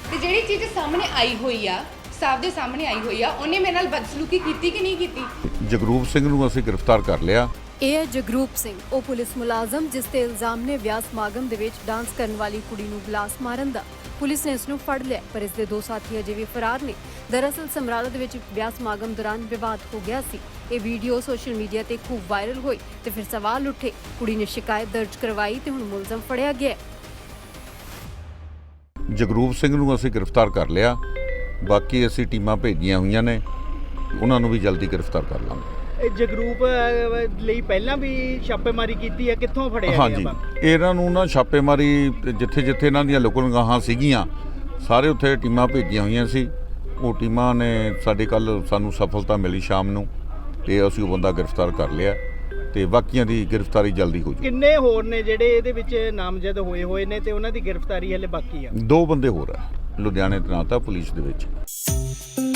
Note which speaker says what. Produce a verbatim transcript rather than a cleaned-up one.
Speaker 1: ਤੇ ਜਿਹੜੀ ਚੀਜ਼ ਸਾਹਮਣੇ ਆਈ ਹੋਈ ਆ, ਸਾਫ ਦੇ ਸਾਹਮਣੇ ਆਈ ਹੋਈ ਆ, ਉਹਨੇ ਮੇਰੇ ਨਾਲ ਬਦਸਲੂਕੀ ਕੀਤੀ ਕਿ ਨਹੀਂ ਕੀਤੀ।
Speaker 2: ਜਗਰੂਪ ਸਿੰਘ ਨੂੰ ਅਸੀਂ ਗ੍ਰਿਫਤਾਰ ਕਰ ਲਿਆ।
Speaker 3: ਇਹ ਹੈ ਜਗਰੂਪ ਸਿੰਘ, ਉਹ ਪੁਲਿਸ ਮੁਲਾਜ਼ਮ ਜਿਸ ਤੇ ਇਲਜ਼ਾਮ ਨੇ ਵਿਆਹ ਸਮਾਗਮ ਦੇ ਵਿੱਚ ਡਾਂਸ ਕਰਨ ਵਾਲੀ ਕੁੜੀ ਨੂੰ ਗਲਾਸ ਮਾਰਨ ਦਾ। ਪੁਲਿਸ ਨੇ ਇਸ ਨੂੰ ਫੜ ਲਿਆ, ਪਰ ਇਸ ਦੇ ਦੋ ਸਾਥੀ ਅਜੇ ਵੀ ਫਰਾਰ ਨੇ। ਦਰਅਸਲ ਸਮਰਾਲਾ ਦੇ ਵਿੱਚ ਵਿਆਹ ਸਮਾਗਮ ਦੌਰਾਨ ਵਿਵਾਦ ਹੋ ਗਿਆ ਸੀ। ਇਹ ਵੀਡੀਓ ਸੋਸ਼ਲ ਮੀਡੀਆ ਤੇ ਖੂਬ ਵਾਇਰਲ ਹੋਈ ਤੇ ਫਿਰ ਸਵਾਲ ਉੱਠੇ। ਕੁੜੀ ਨੇ ਸ਼ਿਕਾਇਤ ਦਰਜ ਕਰਵਾਈ ਤੇ ਹੁਣ ਮੁਲਜ਼ਮ ਫੜਿਆ ਗਿਆ।
Speaker 2: ਜਗਰੂਪ ਸਿੰਘ ਨੂੰ ਅਸੀਂ ਗ੍ਰਿਫਤਾਰ ਕਰ ਲਿਆ। ਬਾਕੀ ਅਸੀਂ ਟੀਮਾਂ ਭੇਜੀਆਂ ਹੋਈਆਂ ਨੇ, ਉਹਨਾਂ ਨੂੰ ਵੀ ਜਲਦੀ ਗ੍ਰਿਫਤਾਰ ਕਰ ਲਾਂਗੇ।
Speaker 4: ਇਹ ਜਗਰੂਪ ਲਈ ਪਹਿਲਾਂ ਵੀ ਛਾਪੇਮਾਰੀ ਕੀਤੀ ਹੈ, ਕਿੱਥੋਂ ਫੜਿਆ
Speaker 2: ਹਾਂਜੀ, ਇਹਨਾਂ ਨੂੰ ਨਾ ਛਾਪੇਮਾਰੀ ਜਿੱਥੇ ਜਿੱਥੇ ਇਹਨਾਂ ਦੀਆਂ ਲੁਕਣਗਾਹਾਂ ਸੀਗੀਆਂ ਸਾਰੇ ਉੱਥੇ ਟੀਮਾਂ ਭੇਜੀਆਂ ਹੋਈਆਂ ਸੀ। ਉਹ ਟੀਮਾਂ ਨੇ ਸਾਡੇ ਕੱਲ ਸਾਨੂੰ ਸਫਲਤਾ ਮਿਲੀ ਸ਼ਾਮ ਨੂੰ, ਤੇ ਅਸੀਂ ਉਹ ਬੰਦਾ ਗ੍ਰਿਫਤਾਰ ਕਰ ਲਿਆ ਤੇ ਬਾਕੀਆਂ ਦੀ ਗ੍ਰਿਫਤਾਰੀ ਜਲਦੀ ਹੋ ਜੂ।
Speaker 4: ਕਿੰਨੇ ਹੋਰ ਨੇ ਜਿਹੜੇ ਇਹਦੇ ਵਿੱਚ ਨਾਮਜ਼ਦ ਹੋਏ ਹੋਏ ਨੇ ਤੇ ਉਹਨਾਂ ਦੀ ਗ੍ਰਿਫਤਾਰੀ ਹਲੇ ਬਾਕੀ ਆ?
Speaker 2: ਦੋ ਬੰਦੇ ਹੋਰ ਆ ਲੁਧਿਆਣੇ ਤੈਨਾਤ ਆ ਪੁਲਿਸ ਦੇ ਵਿੱਚ।